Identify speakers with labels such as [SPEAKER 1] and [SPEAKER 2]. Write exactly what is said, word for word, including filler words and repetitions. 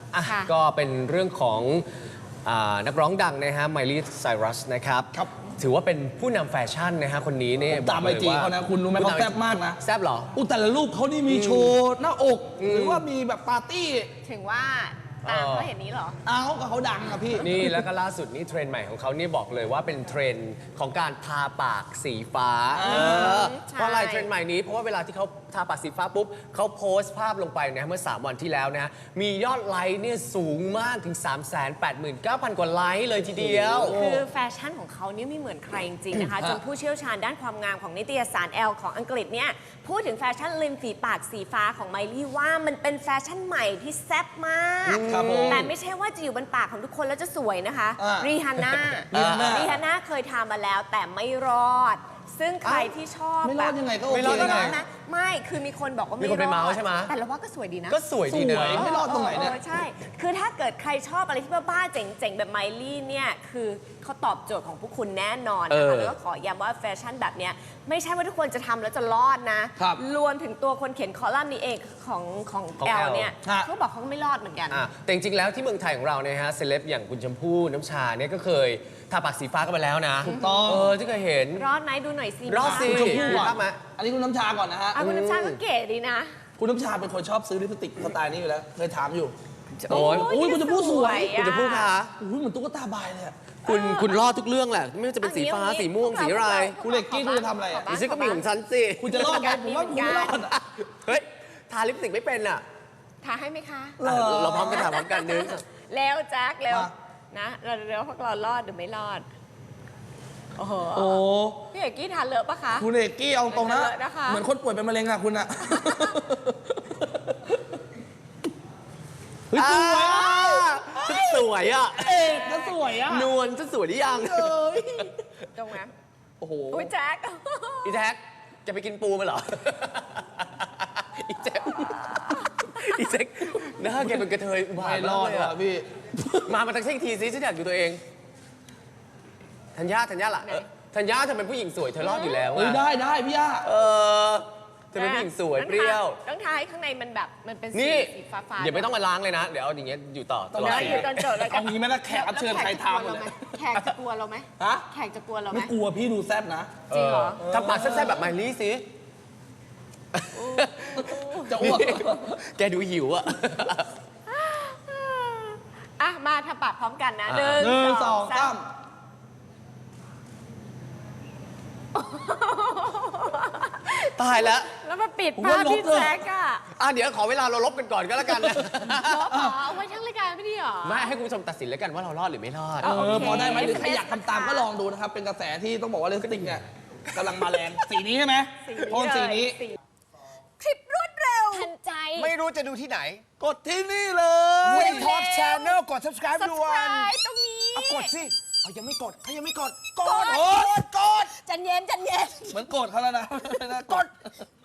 [SPEAKER 1] อ่ะก็เป็นเรื่องของนักร้องดังนะฮะไมลี่ไซรัสนะครับถือว่าเป็นผู้นำแฟชั่นนะฮะคนนี้เนี่ย
[SPEAKER 2] ตามไอจีเขานะคุณรู้ไหมเขาแซ่บมากนะ
[SPEAKER 1] แซ่บเหรอ
[SPEAKER 2] อุยแต่ละรูปเขานี่มีโชว์หน้าอกหรือว่ามีแบบปาร์ตี้
[SPEAKER 3] ถึงว่าตามเขาเห็นนี้เหรอ
[SPEAKER 2] เอากับเขาดังอะพี่
[SPEAKER 1] นี่แล้วก็ล่าสุดนี่เทรนด์ใหม่ของเขานี่บอกเลยว่าเป็นเทรนด์ของการทาปากสีฟ้าเพราะอะไรเทรนด์ใหม่นี้เพราะว่าเวลาที่เขาทาปากสีฟ้าปุ๊บเขาโพสต์ภาพลงไปนะเมื่อสามวันที่แล้วนะมียอดไลค์เนี่ยสูงมากถึง สามแสนแปดหมื่นเก้าพัน กว่าไลค์เลยทีเดียว
[SPEAKER 3] คือแฟชั่นของเขาเนี่ยไม่เหมือนใครจริงๆนะคะจนผู้เชี่ยวชาญด้านความงามของนิตยสาร Elle ของอังกฤษเนี่ยพูดถึงแฟชั่นริมฝีปากสีฟ้าของไมลี่ว่ามันเป็นแฟชั่นใหม่ที่แซ่บมากแต่ไม่ใช่ว่าจะอยู่บนปากของทุกคนแล้วจะสวยนะคะรีฮาน่ารีฮาน่าเคยทำมาแล้วแต่ไม่รอดซึ่งใครที่ชอบ
[SPEAKER 2] ไม่รอดยังไงก็โอเค
[SPEAKER 3] นะไม่คือมีคนบอกว่าไม่รอดแต่เราว่าก็สวยดีนะ
[SPEAKER 1] ก็สวยดีนะ
[SPEAKER 2] ไม่รอดตรงไหนเนี่ย
[SPEAKER 3] ใช่คือถ้าเกิดใครชอบอะไรที่บ้าๆเจ๋งๆแบบไมลี่เนี่ยคือเขาตอบโจทย์ของพวกคุณแน่นอนนะคะแล้วก็ขอย้ำว่าแฟชั่นแบบเนี้ยไม่ใช่ว่าทุกคนจะทำแล้วจะรอดนะรวมถึงตัวคนเขียนคอลัมน์นี้เองของของแอลเนี่ยเขาบอกเขาไม่รอดเหมือนกัน
[SPEAKER 1] แต่จริงๆแล้วที่เมืองไทยของเราเนี่ยฮะเซเลบอย่างคุณชมพู่น้ำชาเนี่ยก็เคยทาปากสีฟ้ากันไปแล้วนะ
[SPEAKER 2] ถูกต้อง
[SPEAKER 1] เออที่เคยเห็น
[SPEAKER 3] รอดไหมดูหน่อยสิ
[SPEAKER 1] รอดสิ
[SPEAKER 2] ชมพู่อ่ะอันนี้คุณน้ำชาก่อนนะฮะ
[SPEAKER 3] คุณน้ำชาก็เก๋ดีนะ
[SPEAKER 2] คุณน้ำชาเป็นคนชอบซื้อลิปสติกสไตล์นี้อยู่แล้วเคยถามอยู่
[SPEAKER 1] โอ้ย
[SPEAKER 2] อุ้ยคุณจะพูดสวย
[SPEAKER 1] คุณจะพูดค่ะ
[SPEAKER 2] อุ้ยเหมือนตุ๊กตาบายเลย
[SPEAKER 1] คุณคุณรอดทุกเรื่องแหละไม่ว่าจะเป็นสีฟ้าสีม่วงสีอะไร
[SPEAKER 2] คุณเล็กกี้คุณจะทำอะไรอ่ะ
[SPEAKER 1] ดิฉันก็มีของฉันสิ
[SPEAKER 2] คุณจะรอดไหมผมว่าคุณไม่รอด
[SPEAKER 1] เฮ้ยทาลิปสติกไม่เป็นอ่ะ
[SPEAKER 3] ทาให้ไหมคะ
[SPEAKER 1] เราพร้อมกันทาพร้อมกันนึง
[SPEAKER 3] แล้วแจ็คเร็วนะเราเร็วพวกเรารอดหรือไม่รอดโอ้โหพี่เอกกี้ทานเลอะปะคะ
[SPEAKER 2] คุณเอกกี้เอาตรงนะเหมือนคนป่วยเป็นมะเร็งอะคุณอะ
[SPEAKER 1] เฮ้ยสวยสวยอ่ะ
[SPEAKER 2] เอกก็สวยอ่ะ
[SPEAKER 1] นวลจะสวยหรือยัง
[SPEAKER 3] ตรงไหม
[SPEAKER 2] โอ้โห
[SPEAKER 3] อุ้ยแจ็ค
[SPEAKER 1] อีแจ็คจะไปกินปูมาเหรออีแจ็คอีแจ็คหน้าแกเป็นกระเทย
[SPEAKER 2] ไม่รอดอ่ะพี่
[SPEAKER 1] มามาตั้งเช็คทีซิฉันอยากดูตัวเองธัญญาธัญญาล่ะธัญญาเธอเป็นผู้หญิงสวยเธอรอดอยู่แล้ว
[SPEAKER 2] ได้ได้พี่ย่า
[SPEAKER 1] เออเธอเป็นผู้หญิงสวยเปรี้ยว
[SPEAKER 3] ต้องทายข้างในมันแบบมันเป็นสีฟ้าฟ้า
[SPEAKER 1] อย่าไม่ต้องมาล้างเลยนะเดี๋ยวเอาอย่างเงี้ยอยู่ต่อ
[SPEAKER 3] ตลอดอยู่จนจบเลย
[SPEAKER 2] เอางี้ไหมล่ะแขกรับเชิญใครทำเลย
[SPEAKER 3] แขกจะกลัวเราไหม
[SPEAKER 2] ฮะ
[SPEAKER 3] แขกจะกลัวเราไหม
[SPEAKER 2] ไม่กลัวพี่ดูแซ่บนะ
[SPEAKER 3] จริงเหรอ
[SPEAKER 1] ทำปากแซ่บๆแบบไมลี่สิ
[SPEAKER 2] จะอ้วก
[SPEAKER 1] แกดูหิวอ่ะ
[SPEAKER 3] อ่ะมาทำปากพร้อมกันนะหนึ่
[SPEAKER 2] งสองสาม
[SPEAKER 1] ตายแล้ว
[SPEAKER 3] แล้วมาปิดภาพพี่แจ็คอะ
[SPEAKER 1] อ่ะเดี๋ยวขอเวลาเราลบกันก่อนก็แล้วกันนะ
[SPEAKER 3] ลบเหรอเอาไว้ทั้งรายการไม่ดีหรอ
[SPEAKER 1] ไม่ให้คุณผู้ชมตัดสินแล้วกันว่าเรารอดหรือไม่รอด
[SPEAKER 2] เออพอได้ไหมหรือใครอยากทำตามก็ลองดูนะครับเป็นกระแสที่ต้องบอกว่าลิปสติกเนี่ยกำลังมาแรงสีนี้ใช่ไหมโทนสีนี้
[SPEAKER 3] คลิปรวดเร็วทันใจ
[SPEAKER 4] ไม่รู้จะดูที่ไหน
[SPEAKER 2] กดที่นี่เลย
[SPEAKER 4] Win Talk Channel กด subscribe ด่วน
[SPEAKER 3] ตรงนี้
[SPEAKER 4] กดสิเอายังไม่กดเขายังไม่กด
[SPEAKER 3] กด
[SPEAKER 4] กดกด
[SPEAKER 3] จันเย็นจันเย็น
[SPEAKER 2] เหมือนกดเขาแล้วนะ
[SPEAKER 4] กด